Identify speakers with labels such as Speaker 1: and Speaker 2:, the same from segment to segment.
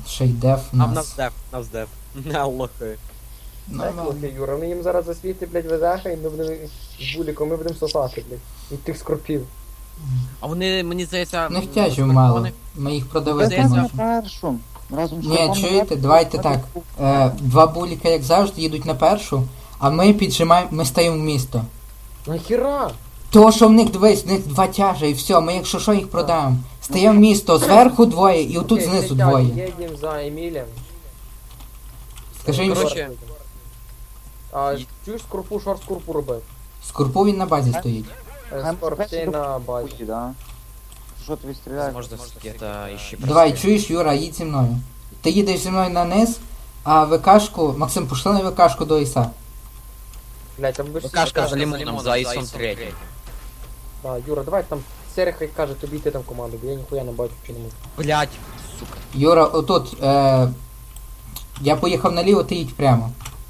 Speaker 1: Ще й деф у
Speaker 2: А в
Speaker 1: нас.
Speaker 2: нас деф. Не лохи.
Speaker 3: Так,
Speaker 1: Нормально.
Speaker 3: лохи, Юра, вони їм зараз засвіти, блядь, везеха, і ми будемо з буліком, ми будемо сосати, блядь. Від тих скорпів.
Speaker 2: А вони, мені здається...
Speaker 1: Ну тяжів
Speaker 2: скорпіони-
Speaker 1: мало. Ми їх продавити
Speaker 2: Здається,
Speaker 1: можемо.
Speaker 4: на першу. Разом з
Speaker 1: Ні,
Speaker 4: Шарпом
Speaker 1: чуєте,
Speaker 4: на першу.
Speaker 1: давайте так. Два буліка, як завжди, їдуть на першу, а ми піджимаємо, ми стаємо в місто.
Speaker 3: Нахіра?
Speaker 1: То, що в них, дивись, в них два тяжа і все, ми якщо що їх продаємо. Стаємо в місто, зверху двоє і отут
Speaker 3: Окей,
Speaker 1: знизу
Speaker 3: летять,
Speaker 1: двоє.
Speaker 3: Їдемо за Емілем.
Speaker 1: Скажи їм,
Speaker 2: Коротше,
Speaker 1: що
Speaker 3: А чуєш скорпу, шорт скорпу робив?
Speaker 1: Скорпу він на базі стоїть.
Speaker 3: Скорпчей на базі.
Speaker 4: Путі, да. Що тобі стріляє?
Speaker 2: Можна где-то іще
Speaker 1: Давай,
Speaker 2: просити.
Speaker 1: чуєш, Юра, їдь зі мною. Ти їдеш зі мною на низ, а ВКшку, Максим, пошли на ВКшку до Іса.
Speaker 3: Блядь, там будеш
Speaker 2: Кашка за лимоном, за Ісом 3.
Speaker 3: Да, Юра, давай там Серега хай каже тобі йти там в команду, бо я ніхуя не бачу, чи не можу.
Speaker 2: Блять, сука.
Speaker 1: Юра, отут, я поїхав наліво, ти їдь прямо.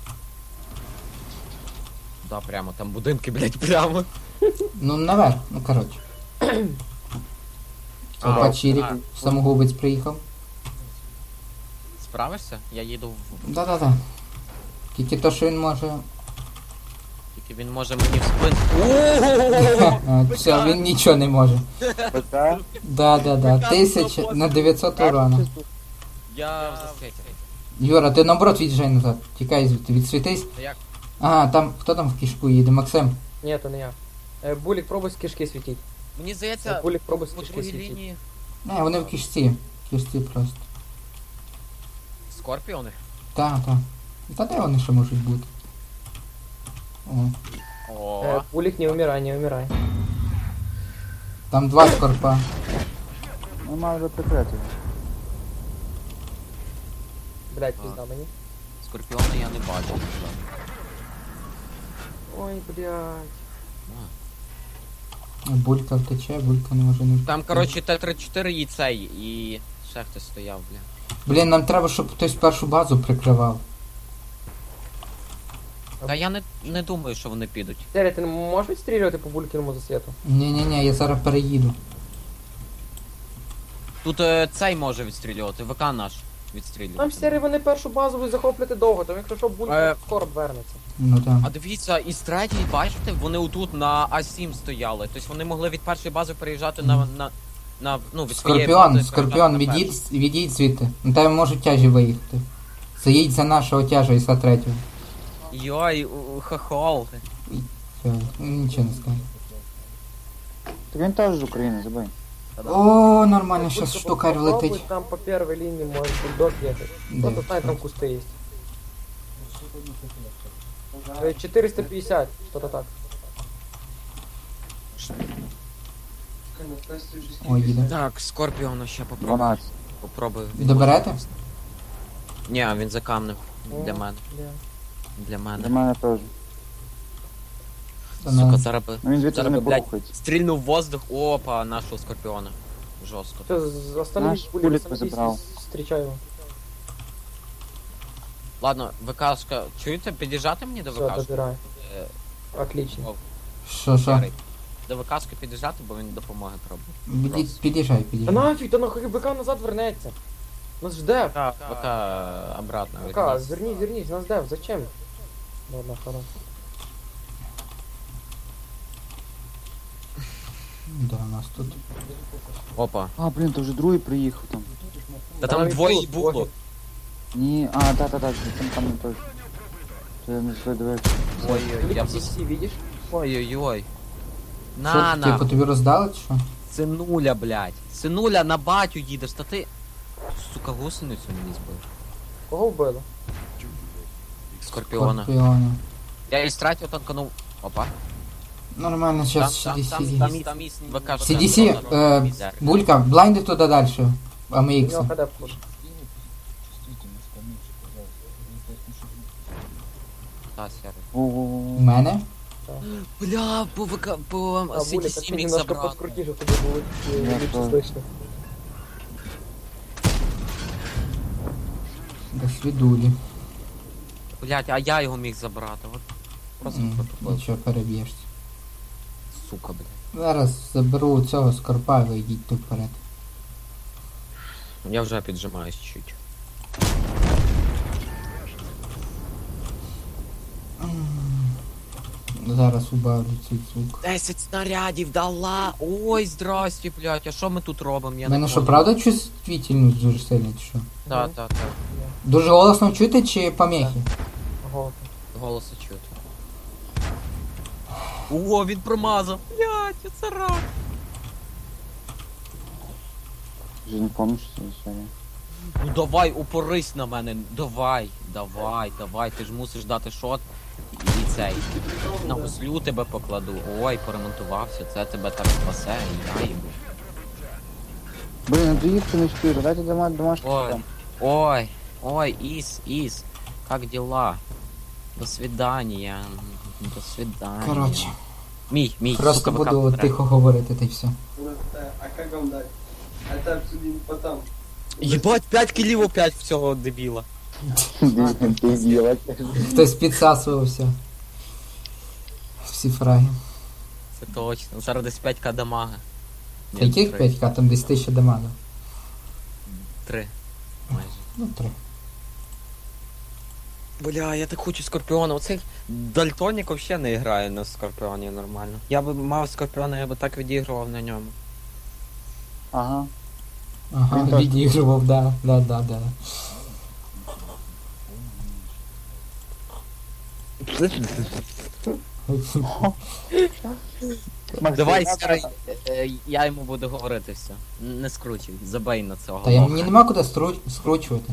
Speaker 2: Да, прямо, там будинки, блять, прямо.
Speaker 1: Ну, наверх, ну коротше. Опа, Чирік, самогубець приїхав.
Speaker 2: Справишся? Я їду в...
Speaker 1: Да-да-да. Тільки то, що він може.
Speaker 2: Тільки він може мені в спину.
Speaker 1: Все, він нічого не може.
Speaker 4: ПК.
Speaker 1: Да-да-да. 1000 на 900 урона.
Speaker 2: Я в засвіті.
Speaker 1: Юра, ти наоборот від'їжджай назад. Тікай звідти, відсвітись.
Speaker 2: Як?
Speaker 1: Ага, там, хто там в кішку їде? Максим.
Speaker 3: Ні, то не я. Булік, пробуй з кишки світіть.
Speaker 2: Мені здається,
Speaker 3: Булік, пробуй з
Speaker 2: по
Speaker 3: кишки
Speaker 2: другій
Speaker 3: світіть.
Speaker 2: лінії
Speaker 1: Не, вони в кішці. В кішці просто.
Speaker 2: скорпіони.
Speaker 1: Так, так. Та де вони ще можуть бути? О,
Speaker 2: О,
Speaker 3: Булік, не умирай, не умирай.
Speaker 1: там два скорпа.
Speaker 4: Нема вже прикрити.
Speaker 3: Блядь, пізда мені.
Speaker 2: скорпіони я не бачу.
Speaker 3: Ой, блядь.
Speaker 1: Булька втече, булька не може не втече.
Speaker 2: Там, коротше, Т-34 і цей, і ще хтось стояв, бля.
Speaker 1: Блін, нам треба, щоб хтось першу базу прикривав.
Speaker 2: Та я не думаю, що вони підуть.
Speaker 3: Серега, ти не можеш відстрілювати по булькіному засвіту?
Speaker 1: Ні-ні-ні, я зараз переїду.
Speaker 2: Тут цей може відстрілювати, ВК наш відстрілює.
Speaker 3: Там Серега, вони першу базу будуть захоплювати довго, там якщо що, булік скоро вернеться.
Speaker 1: Ну там.
Speaker 2: А дивіться, із третьої, бачите, вони отут на А7 стояли. Тобто вони могли від першої бази переїжджати ну, від своєї
Speaker 1: Скорпіон,
Speaker 2: бази
Speaker 1: Скорпіон,
Speaker 2: переїжджати на першу.
Speaker 1: відійдь звідти. На тебе можуть тяжі виїхати. Заїдь за нашого тяжа Іса третього.
Speaker 2: Йой, хохол.
Speaker 1: Все, нічого не скажу.
Speaker 4: Так він теж з України, забий.
Speaker 1: О, нормально,
Speaker 3: Булька,
Speaker 1: щас штукарь
Speaker 3: попробуй,
Speaker 1: влетить.
Speaker 3: там по первой линии может бульдог ехать.
Speaker 1: Да,
Speaker 3: Кто-то знает, там
Speaker 1: что?
Speaker 3: кусты есть. 450, что-то так.
Speaker 1: Ой, їде.
Speaker 2: Так, Скорпіона ще попробую.
Speaker 4: 12.
Speaker 2: Попробую.
Speaker 1: Доберете?
Speaker 2: Ні, він за камнем. Для
Speaker 3: О,
Speaker 2: мене.
Speaker 3: бля.
Speaker 2: Для
Speaker 4: Для
Speaker 2: мене.
Speaker 4: мене теж.
Speaker 1: Та
Speaker 2: Сука,
Speaker 1: ну.
Speaker 2: зараз би.
Speaker 4: Ну він звідси
Speaker 2: Зараз
Speaker 4: не
Speaker 2: би, блядь,
Speaker 4: порухається.
Speaker 2: стрільнув в воздух. Опа, нашого Скорпіона. Жорстко.
Speaker 3: Все, остановись,
Speaker 4: Наш
Speaker 3: булик,
Speaker 4: булик
Speaker 3: остановись
Speaker 4: забрал.
Speaker 3: и встречай его.
Speaker 2: Ладно, ВКшка. Чуєте, під'їжджати мені до
Speaker 3: Все,
Speaker 2: ВКшки?
Speaker 3: добирай.
Speaker 2: Е,
Speaker 3: Отлично.
Speaker 2: О,
Speaker 1: Що?
Speaker 2: Ярий. До ВКшки під'їжджати, бо він допомоги пробує.
Speaker 1: Під'їжджай,
Speaker 3: Да
Speaker 1: під'їжджай.
Speaker 3: нафиг, да нахуй БК назад вернется. Нас ждет.
Speaker 2: ВК обратно.
Speaker 3: БК,
Speaker 2: вернись.
Speaker 3: вернись, нас ждет, зачем? Ладно, хорошо.
Speaker 1: Да, у нас тут.
Speaker 2: Опа.
Speaker 4: А, блін, то вже другий приїхав там.
Speaker 2: Та
Speaker 3: Там
Speaker 2: там
Speaker 3: і
Speaker 2: двоє
Speaker 3: тут,
Speaker 2: було.
Speaker 3: двоє.
Speaker 4: Ні, а, та, там не той. То я не все дивився.
Speaker 2: Ой-ой, я
Speaker 3: Блин, DC, видишь?
Speaker 2: Ой-ой-ой.
Speaker 1: Що,
Speaker 2: На,
Speaker 1: типу, тобі роздали чи що?
Speaker 2: Синуля, блядь. Синуля, на батю їдеш, та ти... Сука, гусеницю мені збив.
Speaker 3: Кого вбили?
Speaker 2: Скорпіона.
Speaker 1: Скорпіони.
Speaker 2: Я і стратив, танканув. Опа.
Speaker 1: Нормально, зараз CDC.
Speaker 2: Там ВК.
Speaker 1: CDC, Булька, блайнди туди далі. А ми
Speaker 3: У
Speaker 1: ікси.
Speaker 3: него ХД вход.
Speaker 2: Та, сярий.
Speaker 1: У
Speaker 4: О-о-о.
Speaker 1: мене?
Speaker 2: Бля, по ВК, по
Speaker 3: А, Булик, а
Speaker 2: CDC
Speaker 3: ты
Speaker 2: міг
Speaker 3: немножко
Speaker 2: забрати.
Speaker 3: подкрути, чтобы тебе было
Speaker 4: Я
Speaker 3: лучше
Speaker 4: тоже.
Speaker 3: слышно.
Speaker 1: До свідулі.
Speaker 2: Блядь, а я його міг забрати. От просто протупив.
Speaker 1: Нічого, переб'єшся.
Speaker 2: Сука, блядь.
Speaker 1: Зараз заберу цього скорпа, ви йдіть тут вперед.
Speaker 2: Я вже піджимаюсь чуть.
Speaker 1: Зараз убавлю цей звук.
Speaker 2: 10 снарядів дала! Ой, здрасте, блядь, а що ми тут робимо? Я
Speaker 1: У мене
Speaker 2: не
Speaker 1: що,
Speaker 2: понял.
Speaker 1: правда чувствительність дуже сильна, чи що?
Speaker 2: Так, так, так.
Speaker 1: Дуже голосно чути чи помехи?
Speaker 3: Голос.
Speaker 2: Голоси чути. О, він промазав! Блядь, це рак!
Speaker 4: Вже не помню, що це історія.
Speaker 2: Ну давай, упорись на мене, давай, ти ж мусиш дати шот і цей. На гуслю тебе покладу. Ой, поремонтувався, це тебе так спасе, і я їбу.
Speaker 4: Блін, ну доїхати не встиг, дайте домашній
Speaker 2: Ой,
Speaker 4: там.
Speaker 2: ой, Ис, как дела? До свидания, до свидания.
Speaker 1: Коротше,
Speaker 2: Мій,
Speaker 1: просто
Speaker 2: сука,
Speaker 1: буду
Speaker 2: ВК
Speaker 1: тихо говорити, та й все.
Speaker 5: А как вам дать? Это обсудим потом.
Speaker 2: Єбать, 5 кілів опять в цього дебіла.
Speaker 4: Ти з'їла.
Speaker 1: Хтось підсасувався. Всі фраги.
Speaker 2: Це точно, зараз десь 5к дамага.
Speaker 1: Та яких 5к, там десь 1000 дамага.
Speaker 2: 3. Майже.
Speaker 1: Ну, 3.
Speaker 2: Бля, я так хочу Скорпіона. Оцей Дальтонік взагалі не грає на Скорпіоні нормально. Я би мав Скорпіона, я би так відігрував на ньому.
Speaker 4: Ага.
Speaker 1: Ага,
Speaker 4: Він теж.
Speaker 1: відігрував, да.
Speaker 2: Давай, старий, я йому буду говорити все. Не скручуй, забей на цього.
Speaker 1: Та я
Speaker 2: лоха.
Speaker 1: мені нема куди скручувати.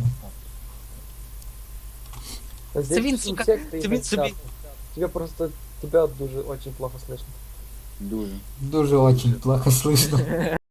Speaker 3: Здесь
Speaker 2: він,
Speaker 3: всі
Speaker 2: сука,
Speaker 3: секти
Speaker 2: це
Speaker 3: і
Speaker 2: він
Speaker 3: так
Speaker 2: собі-
Speaker 3: часто. Тебя просто, тебя дуже очень плохо слышно.
Speaker 4: Дуже.
Speaker 1: Дуже очень плохо слышно.